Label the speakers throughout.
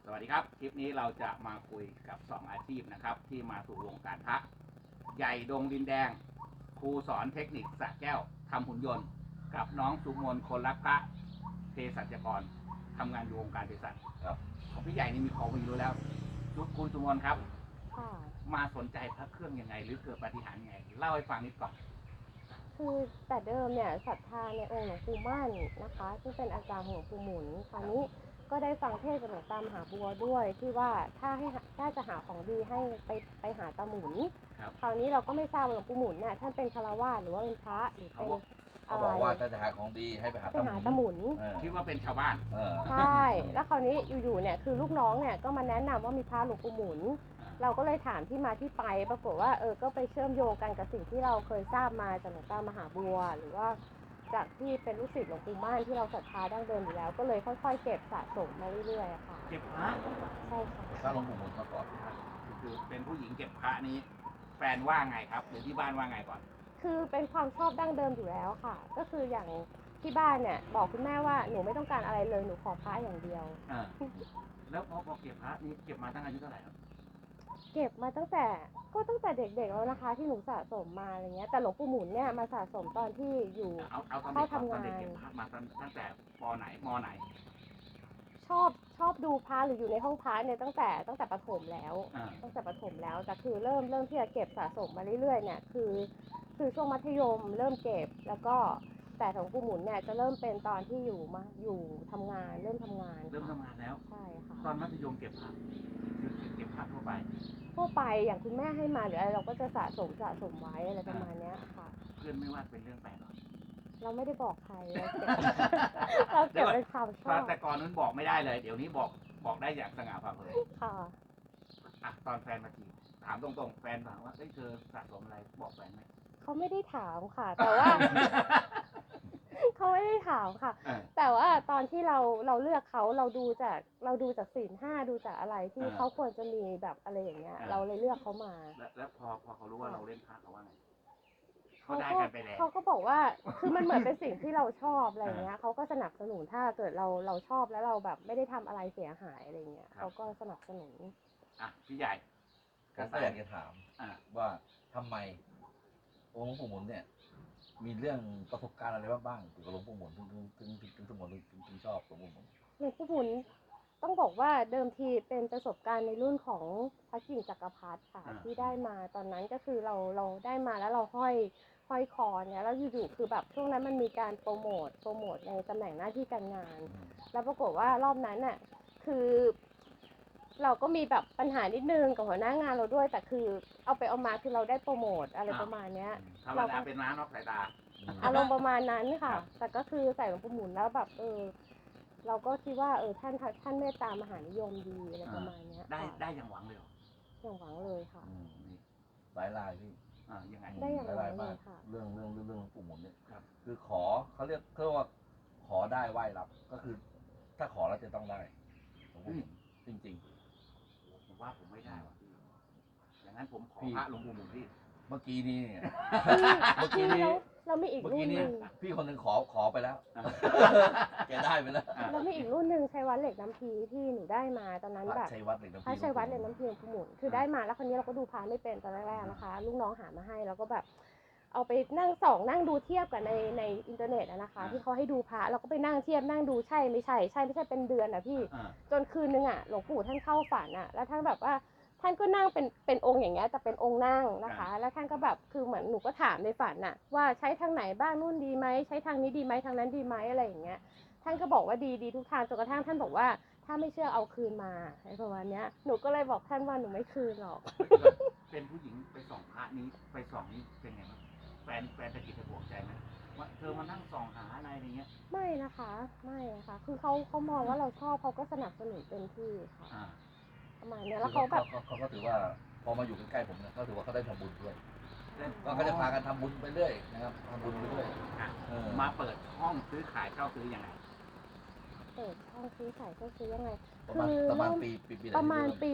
Speaker 1: สวัสดีครับคลิปนี้เราจะมาคุยกับ2อาชีพนะครับที่มาสู่วงการพระใหญ่ดงดินแดงครูสอนเทคนิคสระแก้วทำหุ่นยนต์กับน้องสุมนคนรักพระเภสัชกรทำงานอยู่วงการเภสัชครับของพี่ใหญ่นี่มีของมีรู้แล้วคุณสุมนครับมาสนใจพระเครื่องยังไงหรือเกิดปาฏิหาริย์ยังไงเล่าให้ฟังนิดก่อน
Speaker 2: คือแต่เดิมเนี่ยศรัทธาในองค์หลวงปู่มั่นนะคะซึ่งเป็นอาจารย์ของหลวงปู่หมุนคราวนี้ก็ได้ฟังเทศน์จากหลวงตามหาบัวด้วยที่ว่าถ้าจะหาของดีให้ไปหาตาหมุนคราวนี้เราก็ไม่ทราบว่าหลวงปู่หมุนเนี่ยท่านเป็นฆราวาสหรือว่าเป็นพระหรือเป็น
Speaker 3: เขาบอกว่าถ้าจะหาของดีให้ไปหา
Speaker 2: ตาหมุน
Speaker 1: คิดว่าเป็นชาวบ้าน
Speaker 2: ใช่แล้วคราวนี้อยู่ๆเนี่ยคือลูกน้องเนี่ยก็มาแนะนำว่ามีพระหลวงปู่หมุนเราก็เลยถามที่มาที่ไปปรากฏว่าก็ไปเชื่อมโยงกันกับสิ่งที่เราเคยทราบมาจากหลวงตามหาบัวหรือว่าจากที่เป็นลูกศิษย์หลวงปู่มั่นที่เราศรัทธาดั้งเดิมอยู่แล้วก็เลยค่อยๆเก็บสะสมมาเรื่อยๆค่ะ
Speaker 1: เก็บพระ
Speaker 2: ใช่ค่ะ
Speaker 3: พระหลวงปู่หมุนมาก่อน
Speaker 1: คือเป็นผู้หญิงเก็บพระนี้แฟนว่าไงครับหรือที่บ้านว่าไงก่อน
Speaker 2: คือเป็นความชอบดั้งเดิมอยู่แล้วค่ะก็คืออย่างที่บ้านเนี่ยบอกคุณแม่ว่าหนูไม่ต้องการอะไรเลยหนูขอพระอย่างเดียว
Speaker 1: แล้วพอเก็บพระนี้เก็บมาตั้งอายุเท่าไหร่ครับ
Speaker 2: เก็บมาตั้งแต่เด็กๆแล้วนะคะที่หนูสะสมมาอะไรเงี้ยแต่หลวงปู่หมุนเนี่ยมาสะสมตอนที่อยู่
Speaker 1: เข้าทำงานเก็บพระมาตั้งแต่ป.ไหนม.ไหน
Speaker 2: ชอบดูพระหรืออยู่ในห้องพระเนี่ยตั้งแต่ประถมแล้วตั้งแต่ประถมแล้วแต่คือเริ่มที่จะเก็บสะสมมาเรื่อยๆเนี่ยคือช่วงมัธยมเริ่มเก็บแล้วก็แต่ของปู่หมุนเนี่ยจะเริ่มเป็นตอนที่อยู่ทำงานเริ่มทำงาน
Speaker 1: แล้ว
Speaker 2: ใช่ค่ะ
Speaker 1: ตอนมัธยมเก็บพระเก็บพระทั่ว
Speaker 2: ไปอย่างคุณแม่ให้มาหรืออะไรเราก็จะสะสมไว้อะไรประมาณนี้ค่ะ
Speaker 1: เพื่อนไม่ว่าเป็นเรื่องแปลกหรอ
Speaker 2: เราไม่ได้บอกใครเราเก็บเป็นความชอบ
Speaker 1: แต่ก่อนนั้นบอกไม่ได้เลยเดี๋ยวนี้บอกได้อย่างสง่าผ่าเผยค่ะตอนแฟนมาจีบถามตรงๆแฟนถามว่าเธอสะสมอะไรบอกแฟนไหม
Speaker 2: เขาไม่ได้ถามค่ะแต่ว่าเขาไม่ได้ถามค่ะแต่ว่าตอนที่เราเลือกเขาเราดูจากศีล 5ดูจากอะไรที่เขาควรจะมีแบบอะไรอย่างเงี้ยเราเลยเลือกเขามา
Speaker 1: แล้วพอเขารู้ว่าเราเล่นพระเขาว่าไง
Speaker 2: เขาก็บอกว่าคือมันเหมือนเป็นสิ่งที่เราชอบอะไรเงี้ยเขาก็สนับสนุนถ้าเกิดเราชอบแล้วเราแบบไม่ได้ทำอะไรเสียหายอะไรเงี้ยเขาก็สนับสนุน
Speaker 1: พี่ใหญ่
Speaker 3: ก็อยากจะถามว่าทำไมองค์หลวงปู่หมุนเนี่ยมีเรื่องประสบการณ์อะไรบ้างเกี่ยวกับหลวงปู่หมุนถึงสมองถึงชอบหลวงปู่หมุน
Speaker 2: หลวงปู่หมุนต้องบอกว่าเดิมทีเป็นประสบการณ์ในรุ่นของพระกิ่งจักรพรรดิค่ะที่ได้มาตอนนั้นก็คือเราได้มาแล้วเราห้อยคอเนี่ยแล้วอยู่ๆคือแบบช่วงนั้นมันมีการโปรโมทในตำแหน่งหน้าที่การงานแล้วปรากฏว่ารอบนั้นน่ะคือเราก็มีแบบปัญหานิดนึงกับหัวหน้างานเราด้วยแต่คือเอาไปเอามาคือเราได้โปรโมทอะไรประมาณเนี้ย
Speaker 1: เราเป็นน้านอกสายตา
Speaker 2: อารมณ์ประมาณนั้นค่ะแต่ก็คือใส่หลวงปู่หมุนแล้วแบบเราก็คิดว่าท่านเมตตามหานิยมดีอะไรประมาณนี้
Speaker 1: ได้อย่างหวังเลย
Speaker 2: อย่างหวังเลยค่ะ
Speaker 3: หลายรายพี่
Speaker 1: ยังไง
Speaker 2: ได้อย่างหวังเลยค่ะ
Speaker 3: เรื่องปู่หมุนเนี่ยคือขอเขาเรียกว่าขอได้ไหว้รับก็คือถ้าขอแล้วจะต้องได้จริง
Speaker 1: ผมว่าผมไม่ได้ว่ะพี่อย่างนั้นผมขอพระหลวงปู่หมุนพี่
Speaker 3: เมื่อกี้นี้
Speaker 2: เรามีอีกรุ่นนึง
Speaker 3: พี่คนหนึ่งขอไปแล้วแกได้ไปแล้ว
Speaker 2: เรามีอีกรุ่นนึงชัยวัฒน์เหล็กน้ำพีที่หนูได้มาตอนนั้นแบบ
Speaker 3: ชัยวัฒน์เหล็กน้ำพี
Speaker 2: ชัยวัฒน์เหล็กน้ำพีหมุนคือได้มาแล้วคนนี้เราก็ดูพาไม่เป็นตอนแรกๆนะคะลูกน้องหามาให้แล้วก็แบบเอาไปนั่งส่องนั่งดูเทียบกับในอินเทอร์เน็ตนะคะที่เขาให้ดูพระเราก็ไปนั่งเทียบนั่งดูใช่ไม่ใช่เป็นเดือนพี่จนคืนนึงหลวงปู่ท่านเข้าฝันแล้วท่านแบบว่าท่านก็นั่งเป็นองค์อย่างเงี้ยแต่เป็นองค์นั่งนะคะแล้วท่านก็แบบคือเหมือนหนูก็ถามในฝันว่าใช้ทางไหนบ้างนู่นดีไหมใช้ทางนี้ดีไหมทางนั้นดีไหมอะไรอย่างเงี้ยท่านก็บอกว่าดีทุกทางจนกระทั่งท่านบอกว่าถ้าไม่เชื่อเอาคืนมาอะไรประมาณนี้หนูก็เลยบอกท่านว่าหนูไม่คืนหรอก
Speaker 1: เป็นผู้หญิงไปส่องพระนี้ไปส่องนี้เป็นไงบ้างแฟนตะกิดตะบวกใจไหมว่าเธอมานั่งส่องหาอะไรอย่างเงี้ย
Speaker 2: ไม่นะคะคือเขามองว่าเราชอบเขาก็สนับสนุนเต็มที่ค่ะประมาณนี้แล้วเขาแบบ
Speaker 3: เขาก็ถือว่าพอมาอยู่ใกล้ๆผมเนี่ยเขาถือว่าเขาได้ทำบุญด้วยก็เขาจะพากันทำบุญไปเรื่อยนะครับทำบุญไปเรื่อย
Speaker 1: มาเปิดห้องซื้อขายเช่าซื้อยังไง
Speaker 2: เปิดห้องซื้อขายเช่าซื้อยังไง
Speaker 3: คือประมาณ
Speaker 2: ปี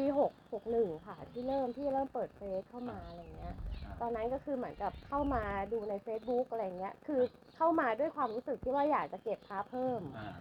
Speaker 2: 61ค่ะที่เริ่มเปิดเฟซเข้ามาอะไรเงี้ยตอนนั้นก็คือเหมือนกับเข้ามาดูใน Facebook อะไรเงี้ยคือเข้ามาด้วยความรู้สึกที่ว่าอยากจะเก็บพระเพิ่ม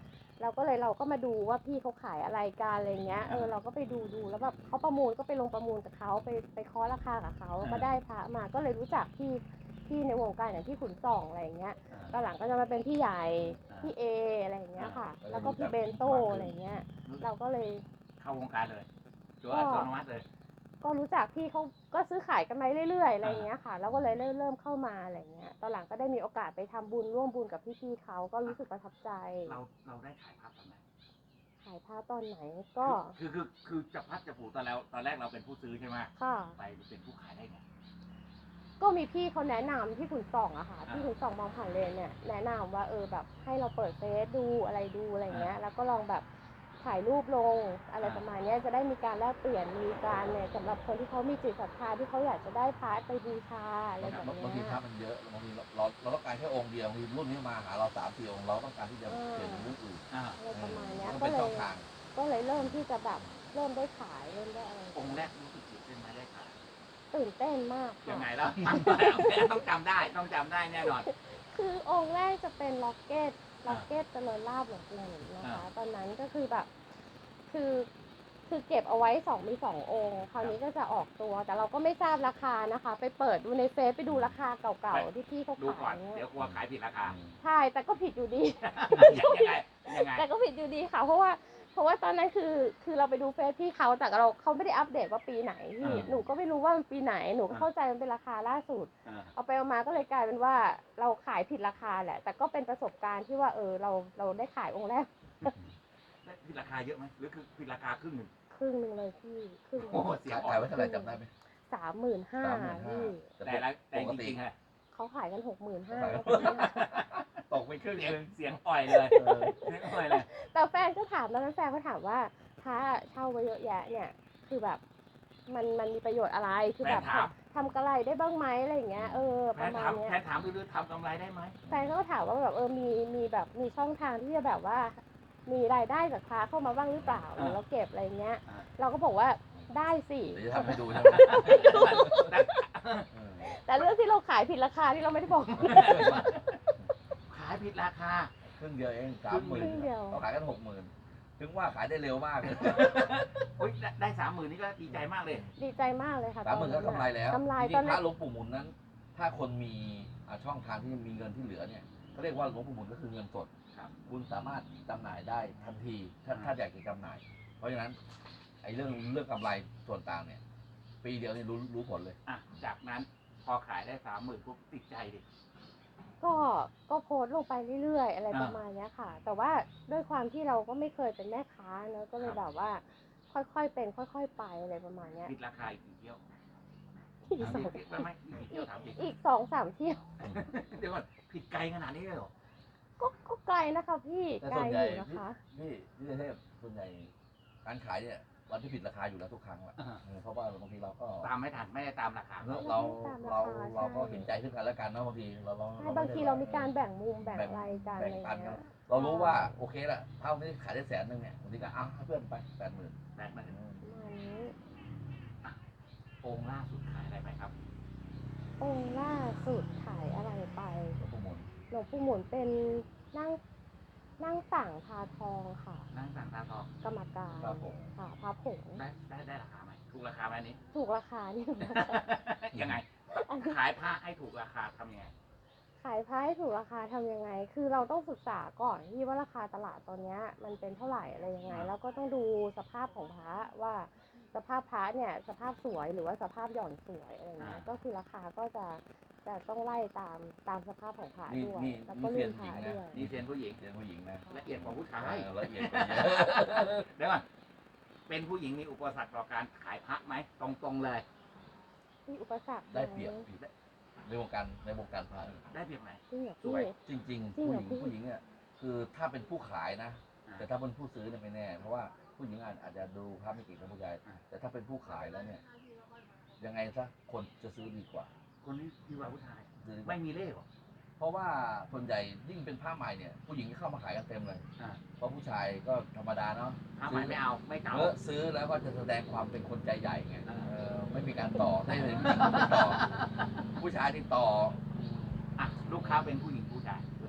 Speaker 2: เราก็มาดูว่าพี่เขาขายอะไรกันอะไรเงี้ยเราก็ไปดูแล้วแบบเขาประมูลก็ไปลงประมูลกับเขาไปเคาะราคากับเขาก็ได้พระมาก็เลยรู้จักพี่ในวงการอย่างพี่ขุนส่องอะไรเงี้ยตอนหลังก็จะมาเป็นพี่ใหญ่พี่เออะไรอย่างเงี้ยค่ะแล้วก็พี่เบนโตอะไรเงี้ยเราก็เลย
Speaker 1: เข้าวงการเลยตัวอัตโนมัติเลย
Speaker 2: ก็รู้จักพี่เขาก็ซื้อขายกันมาเรื่อยๆอะไรอย่างเงี้ยค่ะแล้วก็เลยเริ่มเข้ามาอะไรเงี้ยตอนหลังก็ได้มีโอกาสไปทำบุญร่วมบุญกับพี่ๆเขาก็รู้สึกประทับใจ
Speaker 1: เราได้ขายภาพตอนไหน
Speaker 2: ขายผ้าตอนไหนก็
Speaker 1: คือจะพัดจะผูกตอนแรกเราเป็นผู้ซื้อใช่ไหม
Speaker 2: ค่ะ
Speaker 1: ไปเป็นผู้ขายได้ไง
Speaker 2: ก็มีพี่เขาแนะนำที่ขุนส่องอะค่ะที่ขุนส่องมองผ่านเลนเนี่ยแนะนำว่าแบบให้เราเปิดเฟซดูอะไรเงี้ยแล้วก็ลองแบบถ่ายรูปลงอะไรประมาณนี้จะได้มีการแลกเปลี่ยนมีการเนี่ยสำหรับคนที่เขามีจิตศรัทธาที่เขาอยากจะได้พระไปบูชาอะไรแบบนี้
Speaker 3: บางทีพระมันเยอะบางทีเราต้องการแค่องค์เดียวบางทีรุ่นนี้มาหาเรา3-4 องค์เราต้องการที่จะเปลี่ยนเป็นรุ่นอื่น
Speaker 2: อะไรประมาณนี้
Speaker 3: มัน
Speaker 2: ก็
Speaker 3: เป็น
Speaker 2: เล
Speaker 3: ช่อย งทาง
Speaker 2: ก็เลยเริ่มที่จะแบบเริ่มได้ขายเริ่มได้อะไร
Speaker 1: องค์แรกรู้สึกตื่นเต้นไหมได้ขาย
Speaker 2: ตื่นเต้นมาก
Speaker 1: ยังไง
Speaker 2: ค่ะ
Speaker 1: แล้วต้องจำได้แน่นอน
Speaker 2: คือองค์แรกจะเป็นล็อกเก็ตเจริญลาภหลวงปู่หมุนนะคะตอนนั้นก็คือแบบคือเก็บเอาไว้มีสององค์คราวนี้ก็จะออกตัวแต่เราก็ไม่ทราบราคานะคะ ไปเปิดดูในเฟซไปดูราคาเก่าๆที่พี่เขา
Speaker 1: ดูก่อ
Speaker 2: ขาน ย
Speaker 1: เดี๋ยวกลัวขายผิดราคา
Speaker 2: ใช่แต่ก็ผิดอยู่ดี
Speaker 1: ยังไง
Speaker 2: แต่ก็ผิดอยู่ดีค่ะเพราะว่าตอนนั้นคือเราไปดูเฟซพี่เขาแต่เขาไม่ได้อัปเดตว่าปีไหนพี่หนูก็ไม่รู้ว่ามันปีไหนหนูก็เข้าใจมันเป็นราคาล่าสุดเอาไปเอามาก็เลยกลายเป็นว่าเราขายผิดราคาแหละแต่ก็เป็นประสบการณ์ที่ว่าเราได้ขายองค์แรก
Speaker 1: ผิดราคาเยอะไหมหรือคือผิดราคาครึ่งหนึ่ง
Speaker 2: ครึ่งหนึ่งเลยพี่ครึ่ง
Speaker 1: โอ้เสีย
Speaker 3: ขายไว้เท่าไหร่จำได้ไหม
Speaker 2: 35,000พี่
Speaker 1: แต่
Speaker 3: ปก
Speaker 1: จ
Speaker 3: ติ
Speaker 1: ริงๆอะ
Speaker 2: เขาขายกัน65,000
Speaker 3: ตกไปครึ่งนึง
Speaker 1: เสียงอ่อยเลยเสียงอ่อยเลย
Speaker 2: แต่แฟนก็ถามตอนนั้นแฟนก็ถามว่าพระเช่าไว้เยอะแยะเนี่ยคือแบบมันมีประโยชน์อะไรคือแบบ
Speaker 1: แฟนถาม
Speaker 2: ทำกำไรได้บ้างไหมอะไรอย่างเงี้ยประมาณเนี้ย
Speaker 1: แค่ถามดูทำกำไรได้ไหม
Speaker 2: แฟนก็ถามว่าแบบมีแบบมีช่องทางที่จะแบบว่า มีรายได้จากพระเข้ามาบ้างหรือเปล่าหรือเราเก็บอะไรเงี้ย เราก็บอกว่าได้สิ
Speaker 3: เดี๋ยวจะทำให้ดูใช่ไหม
Speaker 2: แต่เรื่องที่เราขายผิดราคาที่เราไม่ได้บอก
Speaker 1: ขายผิดราคา
Speaker 3: ครึ่งเดียวเอง
Speaker 2: ครึ่งเดียว
Speaker 3: 30,000เขาขายกัน 60,000ถึงว่าขายได้เร็วมากเลย
Speaker 1: อุ้ยได้30,000นี่ก็ดีใจมากเลย
Speaker 2: ดีใจมากเลยค่ะ
Speaker 3: 30,000ก็กำไรแล้ว
Speaker 2: กำไร
Speaker 3: จริ
Speaker 2: ตอน
Speaker 3: งๆพ
Speaker 2: นั้
Speaker 3: ระ
Speaker 2: น
Speaker 3: หลวงปู่หมุนนั้น ถ้าคนมีช่องทางที่มีเงินที่เหลือเนี่ยเขาเรียกว่าหลวงปู่หมุนก็คือเงินสด
Speaker 1: ครับ
Speaker 3: คุณสามารถจำหน่ายได้ทันทีถ้าอยากจะจำหน่าย เพราะฉะนั้นไอ้เรื่องกำไรส่วนต่างเนี่ย ปีเดียวนี่รู้ผลเลย
Speaker 1: อ่ะจากนั้นพอขายได้30,000ปุ๊บติดใจดิ
Speaker 2: ก็โพสต์ลงไปเรื่อยๆอะไรประมาณเนี้ยค่ะ แต่ว่าด้วยความที่เราก็ไม่เคยเป็นแม่ค้าเนอะก็เลยแบบว่า ค่อยๆเป็นค่อยๆไปอะไรประมาณเนี้ย
Speaker 1: ผิดราคาอีกกี่เที่ยว
Speaker 2: อีกสอง
Speaker 1: ไม่อีกกี่เที่ยวถามจริง
Speaker 2: อีก2-3 เที่ยว
Speaker 1: เดี๋ยวก่อนผิดไกลขนาดนี้เลยเหรอ
Speaker 2: ก็ไกลนะคะพี่
Speaker 3: แต่
Speaker 2: ไกล
Speaker 3: ส่วน
Speaker 2: อ
Speaker 3: ใหญ่
Speaker 2: ยู่นะคะ
Speaker 3: พี่เทพส่วนใหญ่การขายเนี่ยวันที่ผิดราคาอยู่แล้วทุกครั้งแหละ
Speaker 1: อ่า
Speaker 3: เพราะว่าบางทีเราก็
Speaker 1: ตามไม่ทันไม่ได้ตามราคา
Speaker 3: เราก็เห็นใจซึ่งกันและกันเนาะบางทีเรา
Speaker 2: ใช่บางทีเรามีการแบ่งมุมแบ่งอะไรกันอะไร
Speaker 3: แบ่งปัน
Speaker 2: เงี้
Speaker 3: เนาะ
Speaker 2: ย
Speaker 3: เรารู้ว่าโอเคละเท่านี้ขายได้100,000เนี่ยบางทีก็ให้เพื่อนไป80,000
Speaker 1: แบ่งมา
Speaker 2: ประมาณนี้
Speaker 1: องค์ล่าสุดขายอะไรไปครับ
Speaker 2: องค์ล่าสุดขายอะไรไป
Speaker 3: หลวงปู่หมุน
Speaker 2: หลวงปู่หมุนเป็นนั่งสั่งพาทองค่ะ
Speaker 1: นั่งสั่งตาทอง
Speaker 2: กรรมการ
Speaker 3: ครับผม
Speaker 2: ค่ะพระผง
Speaker 1: ได้ราคาไหมถูกราคาไหมอันนี้
Speaker 2: ถูกราคานี่
Speaker 1: ยังไง
Speaker 2: อันนี้
Speaker 1: ขายผ้าให้ถูกราคาทำยังไง
Speaker 2: ขายพระให้ถูกราคาทำยังไง คือเราต้องศึกษาก่อนที่ว่าราคาตลาดตอนเนี้ยมันเป็นเท่าไหร่อะไรยังไง แล้วก็ต้องดูสภาพของพระว่าสภาพพระเนี่ยสภาพสวยหรือว่าสภาพหย่อนสวยอะไรเงี้ยก็คือราคาก็จะต้องไล่ตามสภาพของพระด้วย แล้วก็รุ่นพระด้วย
Speaker 1: นี่เซียนผู้หญิง
Speaker 3: เสียงผู้หญิงนะ
Speaker 1: ละเอียดกว่าผู้ชาย
Speaker 3: ละเอียดกว่าเยอะ
Speaker 1: เดี๋ยวก่อนเป็นผู้หญิงมีอุปสรรคต่อการขายพระไหมตรงๆเลย
Speaker 2: มีอุปสรรคหม
Speaker 3: ได้เปรียบในวงการพระ
Speaker 1: ได้เปรียบไหม
Speaker 2: จริงเหรอ
Speaker 1: สวย
Speaker 2: พี่
Speaker 3: จริงๆ
Speaker 2: จริงเหรอ
Speaker 3: ผู้หญิงอ่ะคือถ้าเป็นผู้ขายนะ แต่ถ้าเป็นผู้ซื้อเนี่ยไม่แน่ เพราะว่าผู้หญิงอาจจะดูภาพไม่เก่งกับผู้ชายแต่ถ้าเป็นผู้ขายแล้วเนี่ย ยังไงซะคนจะซื้อดีกว่า
Speaker 1: คนนี้ดีกว่าผู้ชาย
Speaker 3: ซื้อดีกว่า
Speaker 1: ไม่มีเล่ห์หรอ
Speaker 3: เพราะว่าส่วนใหญ่ยิ่งเป็นผ้าใหม่เนี่ย ผู้หญิงก็เข้ามาขายกันเต็มเลย
Speaker 1: อ่า
Speaker 3: เพราะผู้ชายก็ธรรมดาเนาะ
Speaker 1: ผ้าใหม่ไม่เอาไม่เก่า
Speaker 3: ซื้อแล้วก็จะแสดงความเป็นคนใจใหญ่ไง
Speaker 1: อ่า
Speaker 3: ไม่มีการต่อไม่มีการต่อ ผู้ชายที่ต่อ
Speaker 1: อ่ะลูกค้าเป็นผู้หญิงผู้ชายส่วนใหญ่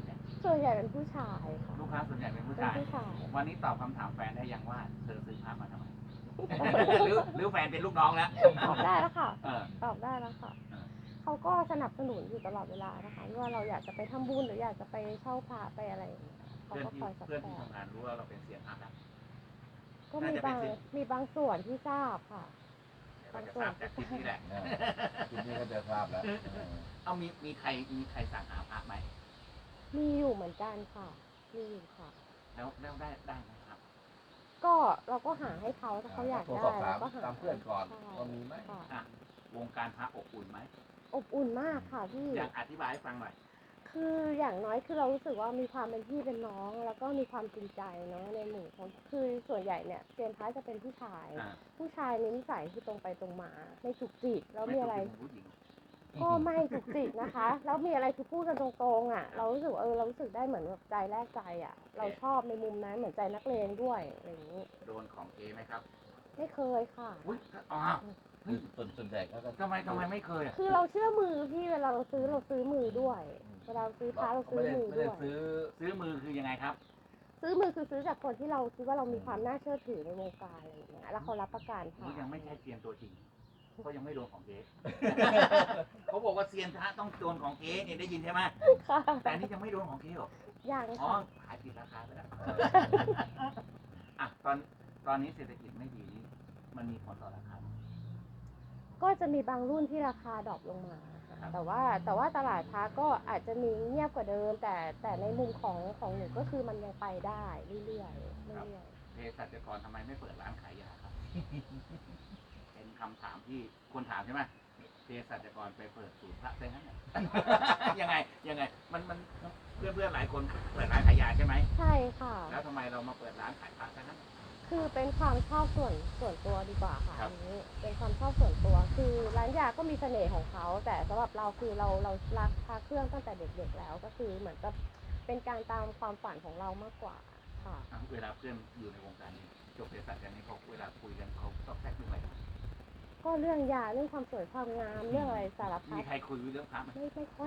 Speaker 2: ส่วนใหญ่เป็นผู้ชายค่ะ
Speaker 1: ลูกค้าส่วนใหญ่เป็นผู้
Speaker 2: เป็น
Speaker 1: ชาย
Speaker 2: ผู้ชาย
Speaker 1: วันนี้ตอบคำถามแฟนได้ยังว่าเธอซื้อพระมาทำไม หรือแฟนเป็นลูกน้องแล้ว
Speaker 2: ตอบได้แล้วค่ะ
Speaker 1: เออ
Speaker 2: ตอบได้แล้วค่ะ
Speaker 1: เออ
Speaker 2: เขาก็สนับสนุนอยู่ตลอดเวลานะคะไม่ว่าเราอยากจะไปทำบุญหรืออยากจะไปเช่าพระไปอะไรอย่างเงี้ยเขา
Speaker 1: เพื่อน
Speaker 2: ก็
Speaker 1: ที่
Speaker 2: คอยซัพ
Speaker 1: เพื่อน
Speaker 2: พอ
Speaker 1: ที่
Speaker 2: ร์ต
Speaker 1: ทำงานรู้ว่าเราเป็นเซียนพระแล้ว
Speaker 2: ก็มีบางส่วนที่ทราบค่ะ
Speaker 1: เดี๋ยวเราจะทราบจากคลิปนี้แหละ
Speaker 3: ทีนี้ก็จะทราบแล้ว
Speaker 1: เอามีใครสั่งหาพระไหม
Speaker 2: มีอยู่เหมือนกันค่ะ มีอยู่ค่ะ
Speaker 1: แล้วได้ไหมครับ
Speaker 2: ก็เราก็หาให้เขาถ้าเขาอยาก
Speaker 3: โทร
Speaker 2: ได้
Speaker 3: สอบถาม
Speaker 2: เราก็หา
Speaker 3: ตามเพื่อนก่อน
Speaker 2: ใช่
Speaker 3: ว่ามีไหม
Speaker 2: ค่ะ
Speaker 1: อ่ะวงการพระอบอุ่นไหม
Speaker 2: อบอุ่นมากค่ะพี่
Speaker 1: อยากอธิบายให้ฟังหน่อย
Speaker 2: คืออย่างน้อยคือเรารู้สึกว่ามีความเป็นพี่เป็นน้อง แล้วก็มีความจริงใจเนาะในหมู่คนคือส่วนใหญ่เนี่ยเซียนพระจะเป็นผู้ชาย
Speaker 1: อ่า
Speaker 2: ผู้ชายในนิสัยคือตรงไปตรงมาไม่จุกจิกแล้วมีอะไร
Speaker 1: ถูกผู้หญิง
Speaker 2: ก็ไม่จุกจิกนะคะ แล้วมีอะไรคือพูดกันตรงๆอ่ะ เรารู้สึกเรารู้สึกได้เหมือนแบบใจแลกใจอ่ะ เราชอบในมุมนั้นเหมือนใจนักเลงด้วยอะไรอย่างนี้
Speaker 1: โดนของเอไหมครับ
Speaker 2: ไม่เคยค่ะ
Speaker 1: อุ้ยอ๋อ
Speaker 3: คือส่วนใหญ่ก็
Speaker 1: ทำไมไม่เคยอ่ะ
Speaker 2: คือเราเชื่อมือพี่เวลาเราซื้อมือด้วย เวลาเราซื้อพระเราซื้อมือ
Speaker 3: ไม่
Speaker 2: ด้
Speaker 3: ได้
Speaker 2: วย
Speaker 1: ซื้อมือคือยังไงครับ
Speaker 2: ซื้อมือคือซื้อจากคนที่เราคิดว่าเรามีความน่าเชื่อถือในวงการอะไรอย่างเงี้ย แล้วเขารับประกัน
Speaker 1: นี่
Speaker 2: ค่ะ
Speaker 1: ยังไม่ใช่เซียนตัวจริงเขายังไม่โดนของเก๊เขาบอกว่าเซียนพระต้องโดนของเก๊เนี่ยได้ยินใช่ไหม
Speaker 2: ค่ะ
Speaker 1: แต่อันนี่ยังไม่โดนของเก๊หรอ
Speaker 2: ยัง
Speaker 1: อ๋อ
Speaker 2: ค่ะ
Speaker 1: ขายผิดราคาไปแล้วอ่ะตอนนี้เศรษฐกิจไม่ดีนี้มันมีผลต่อราคาไหม
Speaker 2: ก็จะมีบางรุ่นที่ราคาดรอปลงมาค่ะ
Speaker 1: ครับ
Speaker 2: แต่ว่าตลาดพระก็อาจจะมีเงียบกว่าเดิม แต่ในมุมของหนูก็คือมันยังไปได้เรื่อยๆ
Speaker 1: เภสัชกรทำไมไม่เปิดร้านขายยาครับ เป็นคำถามที่คนถามใช่ไหมเภสัชกรไปเปิดศูนย์พระได้ไหม ยังไงมันเพื่อนหลายคนเปิดร้านขายยาใช่ไหม
Speaker 2: ใช่ค่ะ
Speaker 1: แล้วทำไมเรามาเปิดร้านขายพระซะนั้น
Speaker 2: คือเป็นความชอบส่วนตัวดีกว่าค่ะ
Speaker 1: ครั
Speaker 2: อั
Speaker 1: บ
Speaker 2: นนี้เป็นความชอบส่วนตัว คือร้านยาก็มีเสน่ห์ของเขา แต่สำหรับเราคือเรารักพระเครื่องตั้งแต่เด็กๆแล้วก็คือเหมือนกับเป็นการตามความฝันของเรามากกว่าค่ะ
Speaker 1: อ่ะเวลาเพื่อนอยู่ในวงการนี้จบเภสัชกันนี้เขาเวลาคุยกันเขาต้องแทรกเรื่องอะไรกัน
Speaker 2: ก็เรื่องยาเรื่องความสวยความงามเรื่องอะไรสารพั
Speaker 1: มี
Speaker 2: ด
Speaker 1: ใครคุยเรื่องพระไหม
Speaker 2: ไม่ค่อย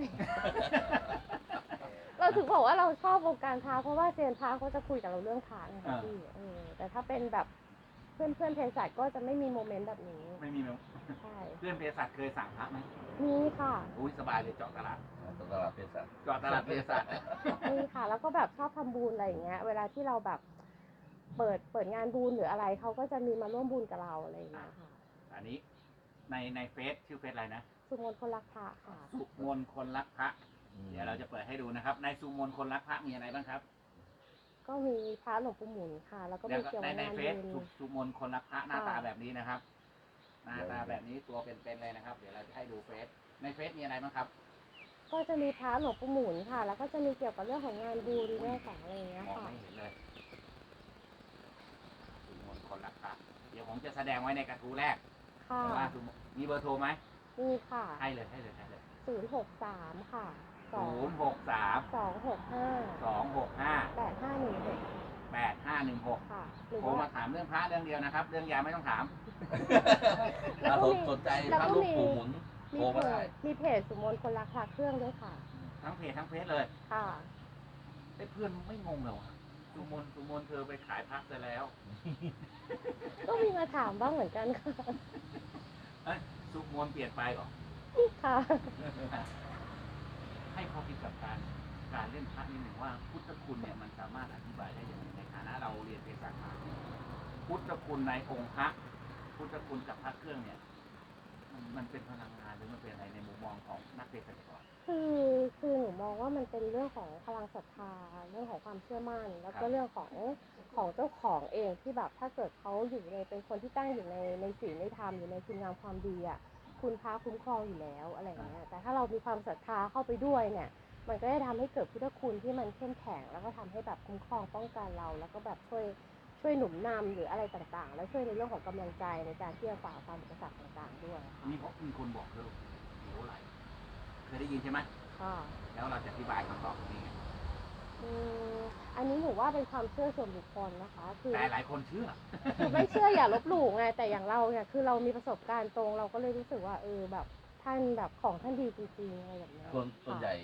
Speaker 2: เราถึงบอกว่าเราชอบวงการพระเพราะว่าเซียนพระเขาจะคุยกับเราเรื่องพระไงคะพี่แต่ถ้าเป็นแบบเพื่อนเภสัชก็จะไม่มีโมเมนต์แบบนี้
Speaker 1: ไม่มีมั้ย
Speaker 2: ใช่
Speaker 1: เพื่อนเภสัชเคยสั่งพระไหม
Speaker 2: มีค่ะ
Speaker 1: อุ้ยสบายเลยเจาะตลาด
Speaker 3: ตลาดเภสัช
Speaker 1: เจาะตลาดเภสัช
Speaker 2: มีค่ะ แล้วก็แบบชอบทำบุญอะไรอย่างเงี้ย เวลาที่เราแบบเปิดงานบุญหรืออะไรเขาก็จะมีมาร่วมบุญกับเราอะไรอย่างเงี้ยค่ะ
Speaker 1: อันนี้ในเฟซชื่อเฟซอะไรนะ
Speaker 2: สุมนคนรักพระค่ะ
Speaker 1: สุมนคนรักพระ เดี๋ยวเราจะเปิดให้ดูนะครับ ในสุมนคนรักพระมีอะไรบ้างครับ
Speaker 2: ก็มีพระหลวงปู่หมุนค่ะ แล้วก็
Speaker 1: เดี๋
Speaker 2: มี
Speaker 1: ยว
Speaker 2: เกี่ยว
Speaker 1: ใน
Speaker 2: กับงาน
Speaker 1: เฟ
Speaker 2: บุ
Speaker 1: ซ
Speaker 2: ญ
Speaker 1: สุมนคนรักพระหน้าตา
Speaker 2: ค่ะ
Speaker 1: แบบนี้นะครับ หน้าตาแบบนี้ตัวเป็นๆเลยนะครับ เดี๋ยวเราจะให้ดูเฟซในเฟซมีอะไรบ้างครับ
Speaker 2: ก็จะมีพระหลวงปู่หมุนค่ะ แล้วก็จะมีเกี่ยวกับเรื่องของงานบุญเรื่องของอะไรอย่างเงี้ย
Speaker 1: มอง
Speaker 2: ค่ะ
Speaker 1: ไม่เห็นเลยสุมนคนรักพระเดี๋ยวผมจะแสดงไว้ในกระทู้แรก
Speaker 2: ค่ะ
Speaker 1: ว่าสุมนมีเบอร์โทรไหม
Speaker 2: มีค่ะ
Speaker 1: ให้เลย
Speaker 2: 063 ค่ะ
Speaker 1: 063
Speaker 2: 265
Speaker 1: 265
Speaker 2: 8516
Speaker 1: 8516
Speaker 2: ค่ะ หรือ
Speaker 1: โทร
Speaker 2: ว่า
Speaker 1: มาถามเรื่องพระเรื่องเดียวนะครับ เรื่องยาไม่ต้องถาม
Speaker 2: แล้วก็มี
Speaker 3: สนใจ
Speaker 2: แล้ว
Speaker 3: พระ
Speaker 2: ก็
Speaker 3: ลูก
Speaker 2: มี
Speaker 3: ปู่หมุน
Speaker 2: มี
Speaker 3: โทร
Speaker 2: เพ
Speaker 3: มาได้
Speaker 2: จมีเพจสุมนคนรักพระเครื่องด้วยค่ะ
Speaker 1: ทั้งเพจทั้งเฟซเลย
Speaker 2: ค่ะ
Speaker 1: ไอ้เพื่อนไม่งงเหรอวะสุมนเธอไปขายพักไปแล้ว
Speaker 2: ก็มีมาถามบ้างเหมือนกันค่ะ
Speaker 1: เอ้ยสุมนเปลี่ยนไปเหรอ
Speaker 2: ค่ะ
Speaker 1: ให้ข้อคิดกับการเล่นพระนิดหนึ่งว่าพุทธคุณเนี่ยมันสามารถอธิบายได้อย่างไรในฐานะเราเรียนเภสัชมาพุทธคุณในองค์พระพุทธคุณกับพระเครื่องเนี่ย มันเป็นพลังงานหรือมันเป็นอะไรในมุมมองของนักเภสัชกร
Speaker 2: คือหนูมองว่ามันเป็นเรื่องของพลังศรัทธาเรื่องของความเชื่อมั่น แล้ว
Speaker 1: ครั
Speaker 2: ก็
Speaker 1: บ
Speaker 2: เรื่องของเจ้าของเองที่แบบถ้าเกิดเขาอยู่ในเป็นคนที่ตั้งอยู่ในศีลในธรรมอยู่ในคุณงามความดีอ่ะคุณพระคุ้มครองอยู่แล้วอะไรอย่างเงี้ยแต่ถ้าเรามีความศรัทธาเข้าไปด้วยเนี่ยมันก็จะทำให้เกิดพุทธคุณที่มันเข้มแข็งแล้วก็ทำให้แบบคุ้มครองป้องกันเรา แล้วก็แบบช่วยหนุนนำหรืออะไรต่างๆ แล้วช่วยในเรื่องของกำลังใจในการที่จะฝ่าความอุปสรรคต่างๆด้วยค่ะ
Speaker 1: มีคนบอกเลยเหลวไหลเคยได้ยินใช่ไหม
Speaker 2: ค่ะ
Speaker 1: แล้วเราจะอธิบายคำตอบตรงนี้ไง
Speaker 2: อันนี้หนูว่าเป็นความเชื่อส่วนบุคคลนะคะ คือ
Speaker 1: แต่หลายคนเชื่อ
Speaker 2: คือไม่เชื่ออย่าลบหลู่ไง แต่อย่างเราเนี่ยคือเรามีประสบการณ์ตรงเราก็เลยรู้สึกว่าแบบท่านแบบของท่านดีจริงๆอะไรแบบเนี้ย
Speaker 3: ส่วนใหญ่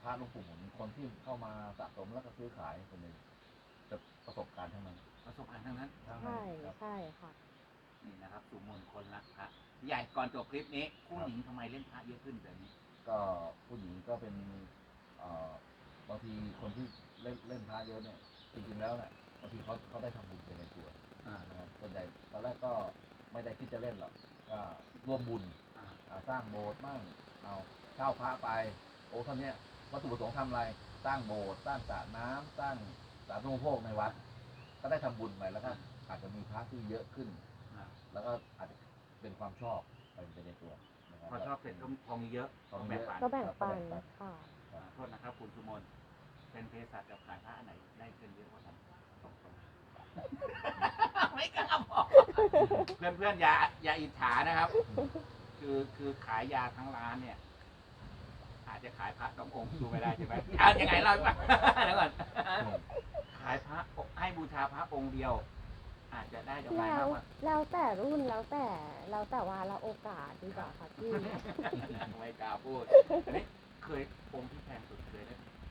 Speaker 3: พระหลวงปู่หมุนคนที่เข้ามาสะสมแล้วก็ซื้อขายคนหนึ่งจะประสบการณ์ทั้งนั้น
Speaker 1: ประสบการณ์ทั้งนั้น
Speaker 3: ทั้ง
Speaker 2: ใช่
Speaker 3: นั้นครับ
Speaker 2: ใช่ค่ะ
Speaker 1: นี่นะครับสุมนคนรักพระใหญ่ก่อนจบคลิปนี้ผู้หญิงทำไมเล่นพระเยอะขึ้นแบบนี้
Speaker 3: ก็ผู้หญิงก็เป็นบางทีคนที่เล่นพระเยอะเนี่ยจริงๆแล้วเนี่ยบางทีเขาได้ทำบุญไปในตัวนะครับส่วนใหญ่ตอนแรกก็ไม่ได้คิดจะเล่นหรอกก็ร่วมบุญสร้างโบสถ์บ้างเอาเช่าพระไปโอ้ท่านเนี้ยวัตถุประสงค์ทำอะไรสร้างโบสถ์สร้างสระน้ำสร้างสาธารณูปโภคในวัดก็ได้ทำบุญไปแล้วก็อาจจะมีพระที่เยอะขึ้น แล้วก็อาจจะเป็นความชอบไปในตัวนะครับ
Speaker 1: พอชอบเสร็จก็พอมีเยอะ
Speaker 3: พอมี
Speaker 1: แบ่ง
Speaker 3: เยอะ
Speaker 1: ปัน
Speaker 2: ก็แบ่งปันค่ะ
Speaker 1: โทษนะครับคุณสุมนเป็นเภสัชกับขายพระอันไหนได้เงินเยอะกว่ากันตรงๆ ไม่กล้าบอกเพื่อนๆอย่าอิจฉานะครับ คือขายยาทั้งร้านเนี่ย อาจจะขายพระต้ององค์ดูไม่ได้ใช่ไหมยังไงเล่าให้ฟังเดี๋ยวก่อนขายพระให้บูชาพระองค์เดียว อาจจะได้ดอกไม้
Speaker 2: แล้
Speaker 1: มาว กกว่า
Speaker 2: แล้วแต่รุ่นแล้วแต่ว่าเราโอกาสดีกว่าค่ะพี่
Speaker 1: ไม่กล้าพูดเคยองค์ที่แพงสุดเคยได้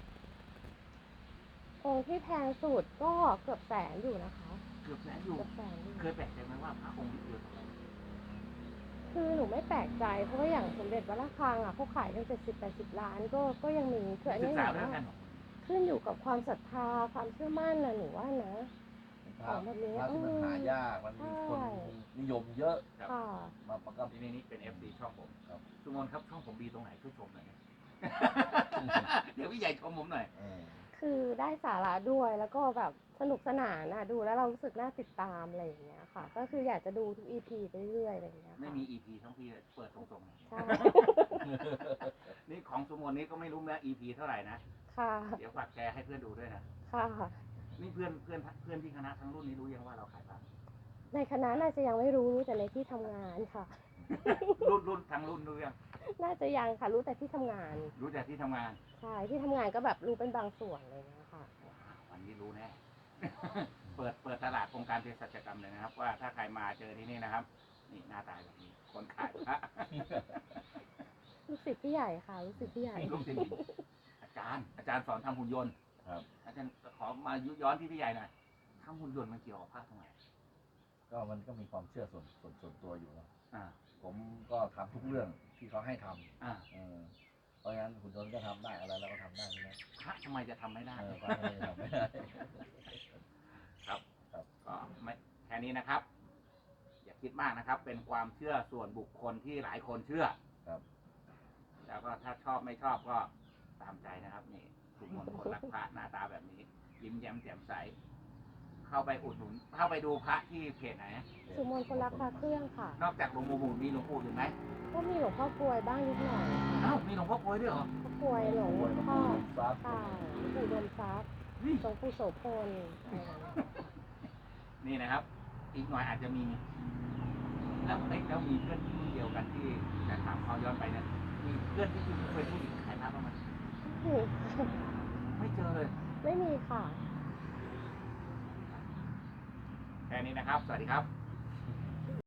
Speaker 2: องค์ที่แพงสุดก็เกือบแสนอยู่นะคะ
Speaker 1: เกือบแสนอยู่
Speaker 2: เกือบแสนอยู่
Speaker 1: เคยแปลกใจไหมว่าพระองค์ที่เดียวเท่าไหร่
Speaker 2: คือหนูไม่แปลกใจเพราะว่าอย่างสมเด็จวัดระฆังอ่ะเขาขายกัน70-80 ล้านก็ยังมีคืออัน
Speaker 1: ศึ
Speaker 2: นี้
Speaker 1: ก
Speaker 2: ห
Speaker 1: ษา
Speaker 2: นู
Speaker 1: เรื่อง
Speaker 2: ว่า
Speaker 1: กัน
Speaker 2: ขึ้นอยู่กับความศรัทธาความเชื่อมั่นนะหนูว่านะ
Speaker 3: พระที่มันหายากมันมีคนนิยมเยอะ
Speaker 1: ครับ
Speaker 2: ค่ะ
Speaker 3: มันก็
Speaker 1: นี่เป็น FC ช่องผม
Speaker 3: ครับ
Speaker 1: สุมนครับช่องผมดีตรงไหนช่วยชมหน่อยนะ เดี๋ยวพี่ใหญ่ชมผมหน่อย
Speaker 2: คือได้สาระด้วยแล้วก็แบบสนุกสนานนะดูแล้วเรารู้สึกน่าติดตามอะไรอย่างเงี้ยค่ะ ก็คืออยากจะดูทุก EP ไปเรื่อยอะไรอย่างเงี้ย
Speaker 1: ไม่
Speaker 2: ค่ะ
Speaker 1: มี EP ช่องพี่เปิดตรงๆนะ
Speaker 2: ใช่
Speaker 1: นี่ของสุมนนี้ก็ไม่รู้นะ EP เท่าไหร่นะ
Speaker 2: ค่ะ
Speaker 1: เดี๋ยวฝากแชร์ให้เพื่อนดูด้วยนะ
Speaker 2: ค่ะ
Speaker 1: นี่เพื่อนที่คณะทั้งรุ่นนี้รู้ยังว่าเราขายพระ
Speaker 2: ในคณะน่าจะยังไม่รู้แต่ในที่ทำงานค่ะ
Speaker 1: รุ่นทั้งรุ่นรู้ยัง
Speaker 2: น่าจะยังค่ะรู้แต่ที่ทำงาน
Speaker 1: รู้แต่ที่ทำงาน
Speaker 2: ใช่ที่ทำงานก็แบบรู้เป็นบางส่วนอะไรอย่างเงี้ยค่ะ
Speaker 1: วันนี้รู้แน่ เปิดตลาดองค์การเภสัชกรรมเลยนะครับ ว่าถ้าใครมาเจอที่นี่นะครับ นี่หน้าตาแบบนี้ คนขายพระ
Speaker 2: ลูกศิษย์พี่ใหญ่ค่ะลูกศิษย์พี่ใหญ่
Speaker 1: ลูกศิษย์อาจารย์สอนทำหุ่นยนต์
Speaker 3: ครับ
Speaker 1: อาจารย์ขอมาย้อนที่พี่ใหญ่หน่อยทำหุ่นยนต์มันเกี่ยวกับพระตรงไหน
Speaker 3: ก็มันก็มีความเชื่อส่วนตัวอยู่นะ
Speaker 1: อ่า
Speaker 3: ผมก็ทำทุกเรื่องที่เขาให้ท
Speaker 1: อ่า
Speaker 3: ำเพราะงั้นหุ่นยนต์ก็ทำได้อะไรเราก็ทำได้นะ
Speaker 1: พระทำไมจะทำไม่ได้
Speaker 3: พระทำไมจะทำไม่ได้
Speaker 1: ครับ
Speaker 3: ครับ
Speaker 1: ก็ไม่แค่นี้นะครับ อย่าคิดมากนะครับ เป็นความเชื่อส่วนบุคคลที่หลายคนเชื่อ
Speaker 3: ครับ
Speaker 1: แล้วก็ถ้าชอบไม่ชอบก็ตามใจนะครับ นี่ทุกคนคนรักพระหน้าตาแบบนี้ ยิ้มแย้มแจ่มใส เข้าไปอุดหนุน เข้าไปดูพระที่เพจไหน
Speaker 2: สุมนคนรักพระเครื่องค่ะ
Speaker 1: นอกจากหลวงปู่หมุนมีหลวงปู่อยู่ไหม
Speaker 2: ก็มีหลวงพ่อกลวยบ้างนิดหน่อย
Speaker 1: อ้าวมีหลวงพ่อกลวยด้วยเหรอ
Speaker 2: พ่อกลวยหลวง
Speaker 3: ป่วยมา
Speaker 2: พ่อ
Speaker 3: ปูซับ
Speaker 2: ค่ะหลวงปู่ดมทรัพย์
Speaker 1: เฮ้ย
Speaker 2: หลวงปู่โสพลอะไรอย่างเงี้ย
Speaker 1: นี่นะครับ อีกหน่อยอาจจะมี แล้วมีเพื่อนที่รุ่นเดียวกันที่จะถามเขาย้อนไปเนี่ยมีเพื่อนที่เป็นผู้หญิงขายพระบ้างไหม
Speaker 2: นี่
Speaker 1: ไม่เจอเลย
Speaker 2: ไม่มีค่ะ
Speaker 1: แค่นี้นะครับ สวัสดีครับ